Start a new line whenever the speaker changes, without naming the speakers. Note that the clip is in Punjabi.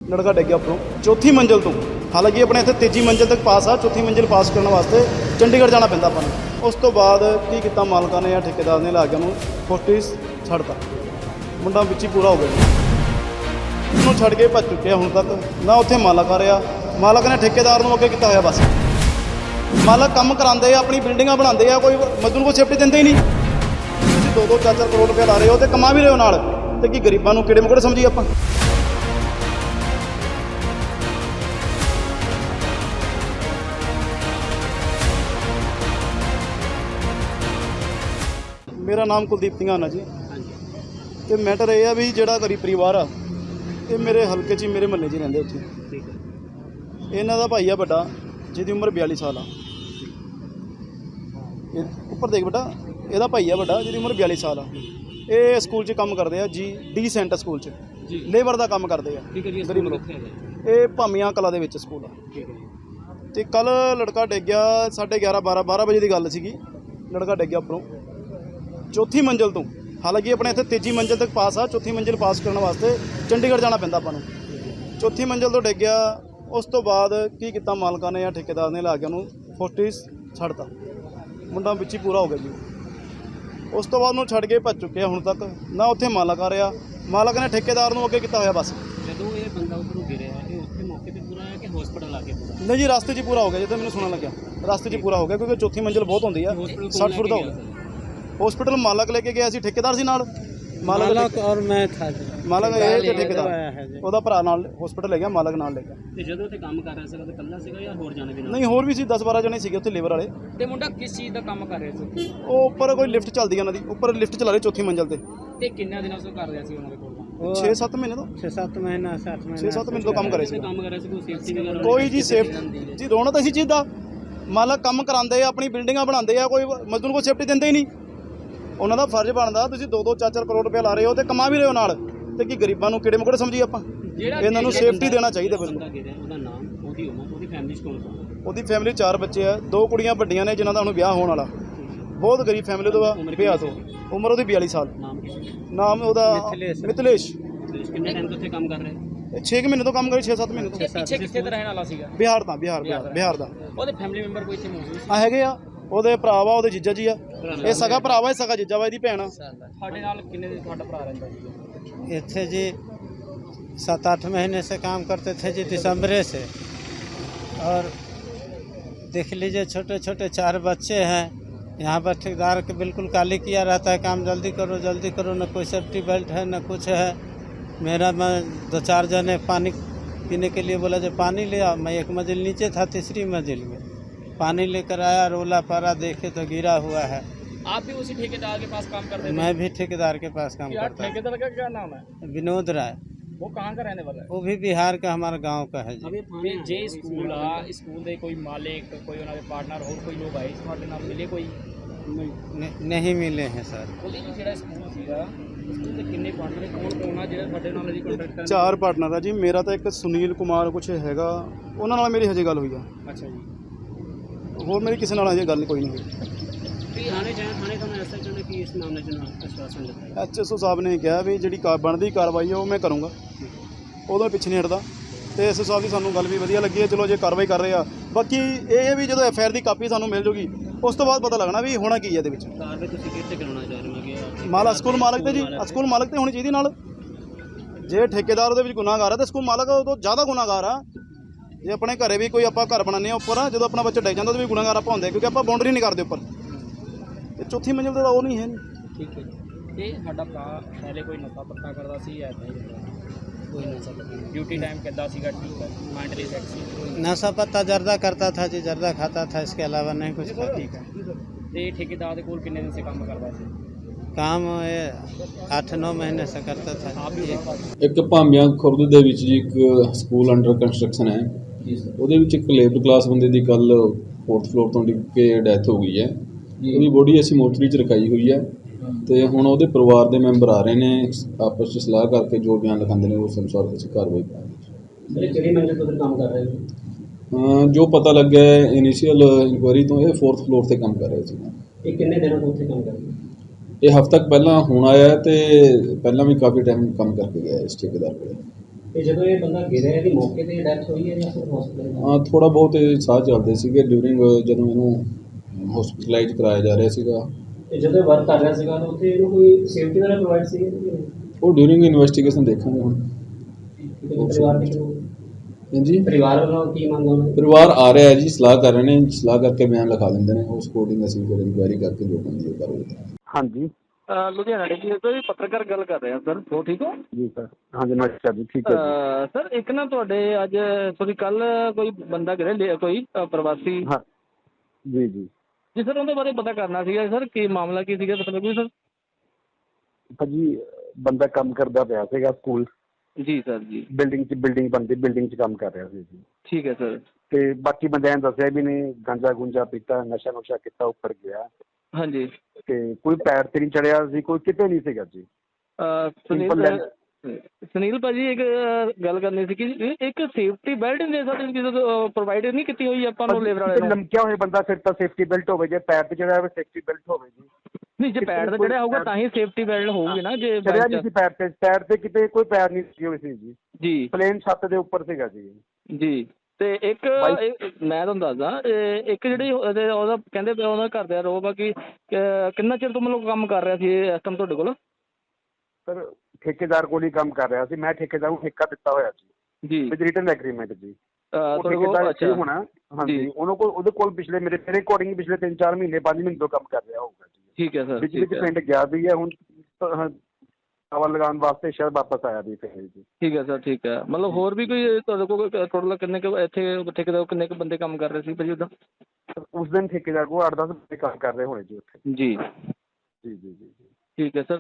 लड़का डिग गया उपरों चौथी मंजिल तो। हालांकि अपने इत्थे तीजी मंजिल तक पास आ, चौथी मंजिल पास करने वास्ते चंडीगढ़ जाना पैंदा ਆਪਾਂ ਨੂੰ। उस तो बाद की किया मालकां ने या ठेकेदार ने ला के ਉਹਨੂੰ ਫੋਰਟਿਸ ਛੱਡਤਾ। ਮੁੰਡਾ ਵਿੱਚ ਹੀ ਪੂਰਾ ਹੋ ਗਿਆ, ਉਹਨੂੰ ਛੱਡ ਕੇ ਭੱਜ ਚੁੱਕਿਆ ਹੁਣ ਤੱਕ। ਨਾ ਉੱਥੇ ਮਾਲਕ ਆ ਰਿਹਾ, ਮਾਲਕ ਨੇ ਠੇਕੇਦਾਰ ਨੂੰ ਅੱਗੇ ਕੀਤਾ ਹੋਇਆ। ਬਸ ਮਾਲਕ ਕੰਮ ਕਰਾਉਂਦੇ ਆ, ਆਪਣੀ ਬਿਲਡਿੰਗਾਂ ਬਣਾਉਂਦੇ ਆ, ਕੋਈ ਮਜ਼ਦੂਰ को ਸੇਫਟੀ ਦਿੰਦੇ ਹੀ ਨਹੀਂ। ਤੁਸੀਂ 2-2 4-4 ਕਰੋੜ ਰੁਪਏ ਲਾ ਰਹੇ ਹੋ ਤੇ ਕਮਾ ਵੀ ਰਹੇ ਹੋ ਨਾਲ, ਤੇ ਕੀ ਗਰੀਬਾਂ ਨੂੰ ਕਿਹੜੇ ਮੁਕੜੇ ਸਮਝੀਏ ਆਪਾਂ। मेरा नाम कुलदीप सिंघाना जी। तो मैटर यह है भी जोड़ा गरीब परिवार आ, ये मेरे हल्के च मेरे महल्ले च रहिंदे उत्थे। इन्हां दा भाई आ बड़ा, जिहदी उम्र 42 साल आ। उपर देख बेटा, ਇਹਦਾ भाई आ बड़ा, जिहदी उम्र 42 साल आ। ये स्कूल च काम करते हैं जी, डी सेंट स्कूल च लेबर का काम करते हैं। गरीब लोग ये भामियां कला दे विच स्कूल आ। तो कल लड़का डिग गया 11:30 12 बजे की गल सीगी। लड़का डिग गया उपरों चौथी मंजिल तो। हालांकि अपने इत्थे तीजी मंजिल तक पास आ, चौथी मंजिल पास करने वास्ते चंडीगढ़ जाना पैंदा ਆਪਾਂ ਨੂੰ। चौथी मंजिल तो डिग गया। उस तो बाद की किया मालकां ने या ठेकेदार ने ला के ਉਹਨੂੰ ਫੋਰਟਿਸ ਛੱਡਤਾ। ਮੁੰਡਾ ਵਿੱਚ ਹੀ ਪੂਰਾ ਹੋ ਗਿਆ ਜੀ। ਉਸ ਤੋਂ ਬਾਅਦ ਉਹਨੂੰ ਛੱਡ ਕੇ ਭੱਜ ਚੁੱਕਿਆ ਹੁਣ ਤੱਕ। ਨਾ ਉੱਥੇ ਮਾਲਕ ਆ ਰਿਹਾ, ਮਾਲਕ ਨੇ ਠੇਕੇਦਾਰ ਨੂੰ ਅੱਗੇ ਕੀਤਾ ਹੋਇਆ। ਬਸ
ਜਦੋਂ ਇਹ ਬੰਦਾ ਉੱਪਰੋਂ ਗਿਰਿਆ ਇਹ ਉੱਥੇ ਮੌਕੇ ਤੇ ਪੂਰਾ ਹੈ ਕਿ ਹਸਪੀਟਲ ਆ ਕੇ ਪੂਰਾ?
ਨਹੀਂ ਜੀ, ਰਸਤੇ 'ਚ ਹੀ ਪੂਰਾ ਹੋ ਗਿਆ। ਜਿੱਦਾਂ ਮੈਨੂੰ ਸੁਣਨ ਲੱਗਿਆ ਰਸਤੇ 'ਚ ਹੀ ਪੂਰਾ ਹੋ ਗਿਆ, ਕਿਉਂਕਿ ਚੌਥੀ ਮੰजिल ਬਹੁਤ ਹੁੰਦੀ ਆ। 60 ਫੁੱਟ ਦਾ ਹੋ ਗਿਆ। हॉस्पिटल मालक लेके गया सी, ठेकेदार सी नाल।
मालक और मैं था।
मालक ये ते ठेकेदार ਉਹਦਾ ਭਰਾ ਨਾਲ ਹਸਪੀਟਲ ਲੈ ਗਿਆ, ਮਾਲਕ ਨਾਲ ਲੈ ਗਿਆ।
ਤੇ ਜਦੋਂ ਤੇ ਕੰਮ ਕਰ ਰਿਹਾ ਸੀਗਾ ਤੇ ਇਕੱਲਾ ਸੀਗਾ ਜਾਂ ਹੋਰ ਜਾਣੇ ਵੀ ਨਾਲ?
ਨਹੀਂ, ਹੋਰ ਵੀ ਸੀ, 10-12 ਜਣੇ ਸੀਗੇ ਉੱਥੇ ਲੇਬਰ ਵਾਲੇ।
ਤੇ ਮੁੰਡਾ ਕਿਸ ਚੀਜ਼ ਦਾ ਕੰਮ ਕਰ ਰਿਹਾ ਸੀ?
ਉਹ ਉੱਪਰ ਕੋਈ ਲਿਫਟ ਚੱਲਦੀ ਹੈ ਉਹਨਾਂ ਦੀ, ਉੱਪਰ ਲਿਫਟ ਚਲਾ ਰਹੇ ਚੌਥੀ ਮੰਜ਼ਿਲ ਤੇ।
ਤੇ ਕਿੰਨੇ ਦਿਨਾਂ ਤੋਂ ਕਰ ਰਿਹਾ ਸੀ ਉਹਨਾਂ ਦੇ ਕੋਲ?
6-7 ਮਹੀਨੇ ਤੋਂ।
6-7 ਮਹੀਨਾ 7 ਮਹੀਨਾ
6-7 ਮਹੀਨੇ ਤੋਂ ਕੰਮ ਕਰ ਰਹੇ ਸੀ।
ਕੰਮ ਕਰ ਰਿਹਾ ਸੀ, ਕੋਈ ਸੇਫਟੀ ਵਗੈਰਾ?
ਕੋਈ ਜੀ ਸੇਫਟੀ ਜੀ, ਰੋਣਾ ਤਾਂ ਇसी ਚੀਜ਼ ਦਾ। ਮਾਲਕ ਕੰਮ ਕਰਾਉਂਦੇ ਆ, ਆਪਣੀ ਬਿਲਡਿੰਗਾਂ ਬਣਾਉਂਦੇ ਆ, ਕੋਈ ਮਜ਼ਦੂਰ को ਸੇਫਟੀ ਦਿੰਦੇ ਹੀ ਨਹੀਂ। ਉਹਨਾਂ ਦਾ ਫਰਜ਼ ਬਣਦਾ, ਤੁਸੀਂ 2-2 4-4 ਕਰੋੜ ਰੁਪਏ ਲਾ ਰਹੇ ਹੋ ਤੇ ਕਮਾ ਵੀ ਰਹੇ ਹੋ ਨਾਲ, ਤੇ ਕੀ ਗਰੀਬਾਂ ਨੂੰ ਕਿਹੜੇ ਮੁਕੜੇ ਸਮਝੀਏ ਆਪਾਂ। ਇਹਨਾਂ ਨੂੰ ਸੇਫਟੀ ਦੇਣਾ ਚਾਹੀਦਾ। ਬਿਲਕੁਲ।
ਉਹਦਾ ਨਾਮ, ਉਹਦੀ ਉਮਰ, ਉਹਦੀ ਫੈਮਿਲੀ ਚ ਕੌਣ ਕੌਣ?
ਉਹਦੀ ਫੈਮਿਲੀ 4 ਬੱਚੇ ਆ, 2 ਕੁੜੀਆਂ ਵੱਡੀਆਂ ਨੇ ਜਿਨ੍ਹਾਂ ਦਾ ਹੁਣ ਵਿਆਹ ਹੋਣ ਵਾਲਾ। ਬਹੁਤ ਗਰੀਬ ਫੈਮਿਲੀ ਤੋਂ ਆ, ਵਿਆਹ ਤੋਂ। ਉਮਰ ਉਹਦੀ 42 ਸਾਲ। ਨਾਮ ਉਹਦਾ ਮਿਥਲੇਸ਼।
ਕਿੰਨੇ ਟਾਈਮ ਤੋਂ ਉੱਥੇ ਕੰਮ ਕਰ ਰਿਹਾ?
6 ਮਹੀਨੇ ਤੋਂ ਕੰਮ ਕਰੀ, 6-7 ਮਹੀਨੇ ਤੋਂ।
ਪਿੱਛੇ ਕਿੱਥੇ ਦਾ ਰਹਿਣ ਵਾਲਾ ਸੀਗਾ?
ਬਿਹਾਰ ਦਾ। ਬਿਹਾਰ ਦਾ।
ਉਹਦੇ ਫੈਮਿਲੀ ਮੈਂਬਰ ਕੋਈ ਇੱਥੇ ਮੌਜੂਦ ਸੀ?
ਹੈਗੇ ਆ, ਉਹਦੇ ਭਰਾ ਵਾ, ਉਹਦੇ ਜੀਜਾ ਜੀ ਆ। ਇਹ ਸਗਾ ਭਰਾ ਵਾ, ਇਹ ਸਗਾ ਜੀਜਾ ਵਾ, ਇਹਦੀ ਭੈਣ ਆ।
ਸਾਡੇ ਨਾਲ ਕਿੰਨੇ ਦਿਨ ਤੁਹਾਡਾ ਭਰਾ ਰਹਿੰਦਾ ਸੀ
ਇੱਥੇ ਜੀ? 7-8 महीने से काम करते थे जी, दिसंबर से। और देख लीजिए छोटे छोटे 4 बच्चे हैं। यहाँ पर ठेकेदार के बिल्कुल काली किया रहता है, काम जल्दी करो जल्दी करो, न कोई सेफ्टी बेल्ट है न कुछ है। मेरा मैं 2-4 जने पानी पीने के लिए बोला जो पानी ले आओ। मैं 1 मंजिल नीचे था, 3री मंजिल में पानी लेकर आया, रोला पारा देखे तो गिरा हुआ है।
आप भी उसी ठेकेदार के पास काम करते थे?
मैं भी ठेकेदार के पास काम करता हूँ।
ठेकेदार का क्या नाम है?
विनोद राय।
वो कहाँ का रहने वाला है?
वो भी बिहार का, हमारा गांव का है जी।
अभी जे स्कूल आ, स्कूल दे कोई मालिक, कोई उन्होंने पार्टनर और कोई लोग आए ਤੁਹਾਡੇ ਨਾਲ ਮਿਲੇ ਕੋਈ?
नहीं मिले हैं सर।
ਉਹਦੇ ਜਿਹੜਾ ਸਕੂਲ ਸੀਗਾ, ਸਕੂਲ ਦੇ ਕਿੰਨੇ ਪਾਰਟਨਰ, ਕੌਣ ਆ ਜਿਹੜਾ ਤੁਹਾਡੇ ਨਾਲ ਜੀ ਕੰਟੈਕਟ ਕਰਨ?
4 ਪਾਰਟਨਰ ਆ ਜੀ। ਮੇਰਾ ਤਾਂ ਇੱਕ ਸੁਨੀਲ ਕੁਮਾਰ ਕੁਛ ਹੈਗਾ, ਉਹਨਾਂ ਨਾਲ ਮੇਰੀ ਹਜੇ ਗੱਲ ਹੋਈ ਆ।
ਅੱਛਾ ਜੀ।
ਹੋਰ ਮੇਰੀ ਕਿਸੇ ਨਾਲ ਹਜੇ ਗੱਲ ਕੋਈ ਨਹੀਂ ਹੋਈ।
ਥਾਣੇ ਤੁਹਾਨੂੰ ਐਸਐਚਓ ਨੇ ਕੀ ਇਸ ਮਾਮਲੇ 'ਚ ਆਸ਼ਵਾਸਨ ਦਿੱਤਾ?
ਐਚਐਸਓ ਸਾਹਿਬ ਨੇ ਕਿਹਾ ਵੀ ਜਿਹੜੀ ਬਣਦੀ ਕਾਰਵਾਈ ਆ ਉਹ ਮੈਂ ਕਰੂੰਗਾ, ਉਹਦੋਂ ਪਿੱਛੇ ਨਹੀਂ ਹਟਦਾ। ਤੇ ਐਸਓ ਸਾਹਿਬ ਦੀ ਸਾਨੂੰ ਗੱਲ ਵੀ ਵਧੀਆ ਲੱਗੀ ਹੈ। ਚਲੋ ਜੇ ਕਾਰਵਾਈ ਕਰ ਰਹੇ ਆ, ਬਾਕੀ ਇਹ ਹੈ ਵੀ ਜਦੋਂ ਐਫਆਈਆਰ ਦੀ ਕਾਪੀ ਸਾਨੂੰ ਮਿਲ ਜੂਗੀ ਉਸ ਤੋਂ ਬਾਅਦ ਪਤਾ ਲੱਗਣਾ ਵੀ ਹੋਣਾ ਕੀ ਹੈ ਇਹਦੇ ਵਿੱਚ।
ਕਾਰਵਾਈ ਤੁਸੀਂ ਕਿੱਥੇ ਕਰਾਉਣਾ ਚਾਹ ਰਹੇ ਹੋ?
ਮਾਲਕ, ਸਕੂਲ ਮਾਲਕ ਤੇ ਜੀ, ਸਕੂਲ ਮਾਲਕ ਤੇ ਹੋਣੀ ਚਾਹੀਦੀ ਨਾਲ। ਜੇ ਠੇਕੇਦਾਰ ਉਹਦੇ ਵਿੱਚ ਗੁਨਾਹਗਾਰ ਆ ਤਾਂ ਸਕੂਲ ਮਾਲਕ ਉਹ ਤੋਂ ਜ਼ਿਆਦਾ ਗੁਨਾਹਗਾਰ ਆ। ਜੇ ਆਪਣੇ ਘਰੇ ਵੀ ਕੋਈ ਆਪਾਂ ਘਰ ਬਣਾਉਂਦੇ ਆ ਉੱਪਰ, ਜਦੋਂ ਆਪਣਾ ਬੱਚਾ ਡਿੱਗ ਜਾਂਦਾ ਉਹਦੇ ਵੀ ਗੁਨਾਹਗਾਰ ਆਪਾਂ ਹੁੰਦੇ, ਕਿਉਂਕਿ ਆਪਾਂ ਬਾਉਂਡਰੀ ਨਹੀਂ ਕਰਦੇ ਉੱਪਰ। ਤੇ ਚੌਥੀ ਮੰਜ਼ਿਲ ਤੇ ਤਾਂ ਉਹ ਨਹੀਂ ਹੈ।
ਠੀਕ ਹੈ। ਤੇ ਸਾਡਾ ਭਰਾ ਪਹਿਲੇ ਕੋਈ ਨਸ਼ਾ ਪੱਤਾ ਕਰਦਾ ਸੀ ਜਾਂ ਕੋਈ ਨਸ਼ਾ ਪੱਤਾ? ਡਿਊਟੀ ਟਾਈਮ ਕਿੱਦਾਂ ਸੀਗਾ? ਠੀਕ ਹੈ। Mentally sexy?
नशा पत्ता जर्दा करता था जी, जर्दा खाता था, इसके अलावा नहीं कुछ खाता।
ਠੀਕ ਹੈ। ਤੇ ਠੇਕੇਦਾਰ ਦੇ ਕੋਲ ਕਿੰਨੇ ਦਿਨ ਸੇ ਕੰਮ ਕਰਦਾ ਸੀ?
काम 8-9 महीने से करता था।
ਆਪ ਵੀ
ਇੱਕ ਭਾਮੀਆਂ ਖੁਰਦ ਦੇ ਵਿੱਚ ਜੀ ਇੱਕ ਸਕੂਲ ਅੰਡਰ ਕੰਸਟਰਕਸ਼ਨ ਹੈ। ਉਹਦੇ ਵਿੱਚ ਇੱਕ ਲੇਬਰ ਕਲਾਸ ਬੰਦੇ ਦੀ ਕੱਲ 4th ਫਲੋਰ ਤੋਂ ਡਿੱਗ ਕੇ ਡੈਥ ਹੋ ਗਈ ਹੈ। ਉਹਦੀ ਬੋਡੀ ਅਸੀਂ ਮੋਰਚਰੀ 'ਚ ਰਖਾਈ ਹੋਈ ਹੈ ਤੇ ਹੁਣ ਉਹਦੇ ਪਰਿਵਾਰ ਦੇ ਮੈਂਬਰ ਆ ਰਹੇ ਨੇ, ਆਪਸ 'ਚ ਸਲਾਹ ਕਰਕੇ ਜੋ ਬਿਆਨ ਲਿਖਾਉਂਦੇ ਨੇ ਉਸ ਅਨੁਸਾਰ ਅਸੀਂ ਕਾਰਵਾਈ ਕਰਾਂਗੇ।
ਕਿਹੜੀ ਮੰਜ਼ਿਲ ਤੋਂ ਕੰਮ ਕਰ ਰਹੇ ਹੋ?
ਜੋ ਪਤਾ ਲੱਗਿਆ ਇਨੀਸ਼ੀਅਲ ਇਨਕੁਆਇਰੀ ਤੋਂ ਇਹ 4th ਫਲੋਰ ਤੇ ਕੰਮ ਕਰ ਰਹੇ ਸੀ।
ਇਹ ਕਿੰਨੇ ਦਿਨਾਂ ਤੋਂ ਉੱਥੇ ਕੰਮ ਕਰ ਰਹੇ?
ਇਹ ਹਫ਼ਤਾ ਤੱਕ ਪਹਿਲਾਂ ਹੁਣ ਆਇਆ ਤੇ ਪਹਿਲਾਂ ਵੀ ਕਾਫੀ ਟਾਈਮ ਕੰਮ ਕਰਕੇ ਗਿਆ ਇਸ ਠੇਕੇਦਾਰ ਕੋਲ।
ਤੇ ਜਦੋਂ ਇਹ ਬੰਦਾ ਗਿਰਿਆ ਇਹਦੀ ਮੌਕੇ ਤੇ ਡੈਥ ਹੋਈ ਹੈ ਜਾਂ ਫਿਰ ਹਸਪੀਟਲ?
ਥੋੜ੍ਹਾ ਬਹੁਤ ਇਹ ਸਾਹ ਚੱਲਦੇ ਸੀਗੇ ਡਿਊਰਿੰਗ ਜਦੋਂ ਇਹਨੂੰ ਹਸਪੀਟਲਾਈਜ਼ ਕਰਾਇਆ ਜਾ ਰਿਹਾ ਸੀਗਾ।
ਤੇ ਜਦੋਂ ਵਰਕ ਕਰ ਰਿਹਾ ਸੀਗਾ ਤਾਂ ਉੱਥੇ ਇਹਨੂੰ ਕੋਈ ਸੇਫਟੀ ਵਾਲਾ ਪ੍ਰੋਵਾਈਡ ਸੀਗੇ?
ਉਹ ਡਿਊਰਿੰਗ ਇਨਵੈਸਟੀਗੇਸ਼ਨ ਦੇਖਾਂਗੇ ਹੁਣ। ਹਾਂਜੀ,
ਪਰਿਵਾਰ ਵੱਲੋਂ ਕੀ ਮੰਗ ਹੋਣਾ?
ਪਰਿਵਾਰ ਆ ਰਿਹਾ ਹੈ ਜੀ, ਸਲਾਹ ਕਰ ਰਹੇ ਨੇ, ਸਲਾਹ ਕਰਕੇ ਬਿਆਨ ਲਿਖਾ ਲੈਂਦੇ ਨੇ, ਉਸ ਅਕੋਰਡਿੰਗ ਅਸੀਂ ਫਿਰ ਇਨਕੁਆਇਰੀ ਕਰਕੇ ਜੋ ਬੰਦੀ ਉਹ ਕਰਾਂਗੇ।
ਹਾਂਜੀ
ਲੁਧਿਆਣਾ ਡਿਸਟ੍ਰਿਕਟ ਤੋਂ ਜੀ ਪੱਤਰਕਾਰ ਗੱਲ ਕਰ ਰਹੇ ਹਾਂ ਸਰ। ਹੋ ਠੀਕ ਹੋ?
ਜੀ ਸਰ। ਹਾਂਜੀ ਨਮਸਕਾਰ ਜੀ, ਠੀਕ ਹੈ ਜੀ।
ਸਰ ਇੱਕ ਨਾ ਤੁਹਾਡੇ ਅੱਜ ਸੋਰੀ ਕੱਲ ਕੋਈ ਬੰਦਾ ਗਿਰਿਆ ਕੋਈ ਪ੍ਰਵਾਸੀ।
ਹਾਂ ਜੀ ਜੀ
ਜੀ ਸਰ ਉਹਦੇ ਬਾਰੇ ਪਤਾ ਕਰਨਾ ਸੀਗਾ ਸਰ, ਕੀ ਮਾਮਲਾ ਕੀ ਸੀਗਾ ਪਤਾ ਲੱਗੂ ਸਰ?
ਭਾਜੀ ਬੰਦਾ ਕੰਮ ਕਰਦਾ ਪਿਆ ਸੀਗਾ ਸਕੂਲ
ਜੀ ਸਰ ਜੀ।
ਬਿਲਡਿੰਗ ਬਣਦੀ, ਬਿਲਡਿੰਗ 'ਚ ਕੰਮ ਕਰ ਰਿਹਾ ਸੀ ਜੀ।
ਠੀਕ ਹੈ ਸਰ।
ਤੇ ਬਾਕੀ ਬੰਦਿਆਂ ਨੇ ਦੱਸਿਆ ਵੀ ਨੇ ਗਾਂਜਾ ਗੁੰਜਾ ਪੀਤਾ, ਨਸ਼ਾ ਨੁਸ਼ਾ ਕੀਤਾ, ਉੱਪਰ ਗਿਆ
ਹਾਂਜੀ।
ਤੇ ਕੋਈ ਪੈਰ ਤੇ ਨਹੀਂ ਚੜਿਆ ਸੀ, ਕੋਈ ਕਿਤੇ ਨਹੀਂ ਸੀਗਾ ਜੀ।
ਸੁਨੀਲ ਭਾਜੀ ਇੱਕ ਗੱਲ ਕਰਨੀ ਸੀ ਕਿ ਇੱਕ ਸੇਫਟੀ ਬੈਲਟ ਦੇ ਸਕਦੇ ਪ੍ਰੋਵਾਈਡ ਨਹੀਂ ਕੀਤੀ ਹੋਈ ਆਪਾਂ ਨੂੰ ਲੇਬਰ ਵਾਲੇ ਨੂੰ?
ਲਮਕਿਆ ਹੋਇਆ ਬੰਦਾ ਫਿਰ ਤਾਂ ਸੇਫਟੀ ਬੈਲਟ ਹੋਵੇ, ਜੇ ਪੈਰ ਤੇ ਚੜਿਆ ਹੋਵੇ ਸੇਫਟੀ ਬੈਲਟ ਹੋਵੇ ਜੀ।
ਨਹੀਂ ਜੇ ਪੈਰ ਤੇ ਚੜਿਆ ਹੋਊਗਾ ਤਾਂ ਹੀ ਸੇਫਟੀ ਬੈਲਟ ਹੋਊਗੀ ਨਾ। ਜੇ
ਚੜਿਆ ਨਹੀਂ ਸੀ ਪੈਰ ਤੇ ਕਿਤੇ ਕੋਈ ਪੈਰ ਨਹੀਂ ਸੀ ਹੋਈ ਸੀ ਜੀ।
ਜੀ
ਪਲੇਨ ਛੱਤ ਦੇ ਉੱਪਰ ਸੀਗਾ ਜੀ।
ਜੀ। ਤੇ ਇੱਕ ਮੈਂ ਤੁਹਾਨੂੰ ਦੱਸਦਾ ਇੱਕ ਜਿਹੜੀ ਉਹਦਾ ਕਹਿੰਦੇ ਪਿਆ ਉਹਦਾ ਘਰ ਦਾ ਰੋਬ ਆ ਕਿ ਕਿੰਨਾ ਚਿਰ ਤੋਂ ਮਤਲਬ ਕੰਮ ਕਰ ਰਿਹਾ ਸੀ ਇਸ ਟਾਈਮ ਤੁਹਾਡੇ ਕੋਲ?
ਸਰ ਠੇਕੇਦਾਰ ਕੋਲ ਹੀ ਕੰਮ ਕਰ ਰਿਹਾ ਸੀ, ਮੈਂ ਠੇਕੇਦਾਰ ਨੂੰ ਠੇਕਾ ਦਿੱਤਾ ਹੋਇਆ ਸੀ
ਜੀ
ਵਿਦ ਰਿਟਨ ਐਗਰੀਮੈਂਟ ਜੀ। ਉਹ
ਤੁਹਾਡੇ ਕੋਲ?
ਠੇਕੇਦਾਰ
ਅੱਛਾ
ਹੋਣਾ। ਹਾਂਜੀ ਉਹਦੇ ਕੋਲ ਪਿਛਲੇ ਮੇਰੇ ਅਕੋਰਡਿੰਗ ਪਿਛਲੇ 3-4 ਮਹੀਨੇ 5 ਮਹੀਨੇ ਤੋਂ ਕੰਮ ਕਰ ਰਿਹਾ ਹੋਊਗਾ ਜੀ।
ਠੀਕ ਹੈ ਸਰ।
ਵਿੱਚ ਪਿੰਡ ਗਿਆ ਵੀ ਹੈ ਹੁਣ ਹਵਾ ਲਗਾਉਣ ਵਾਸਤੇ ਸ਼ਾਇਦ ਵਾਪਸ ਆਇਆ ਵੀ ਫਿਰ ਜੀ।
ਠੀਕ ਹੈ ਸਰ। ਠੀਕ ਹੈ। ਮਤਲਬ ਹੋਰ ਵੀ ਕੋਈ ਤੁਹਾਡੇ ਕੋਲ ਟੋਟਲ ਕਿੰਨੇ ਕੁ ਇੱਥੇ ਠੇਕੇਦਾਰ ਕਿੰਨੇ ਕੁ ਬੰਦੇ ਕੰਮ ਕਰ ਰਹੇ ਸੀ ਭਾਜੀ ਉੱਦਾਂ?
ਉਸ ਦਿਨ ਠੇਕੇਦਾਰ ਕੋਲ 8-10 ਬੰਦੇ ਕੰਮ ਕਰ ਰਹੇ ਹੋਣੇ ਜੀ ਉੱਥੇ।
ਜੀ
ਜੀ ਜੀ ਜੀ ਜੀ।
ਠੀਕ ਹੈ ਸਰ।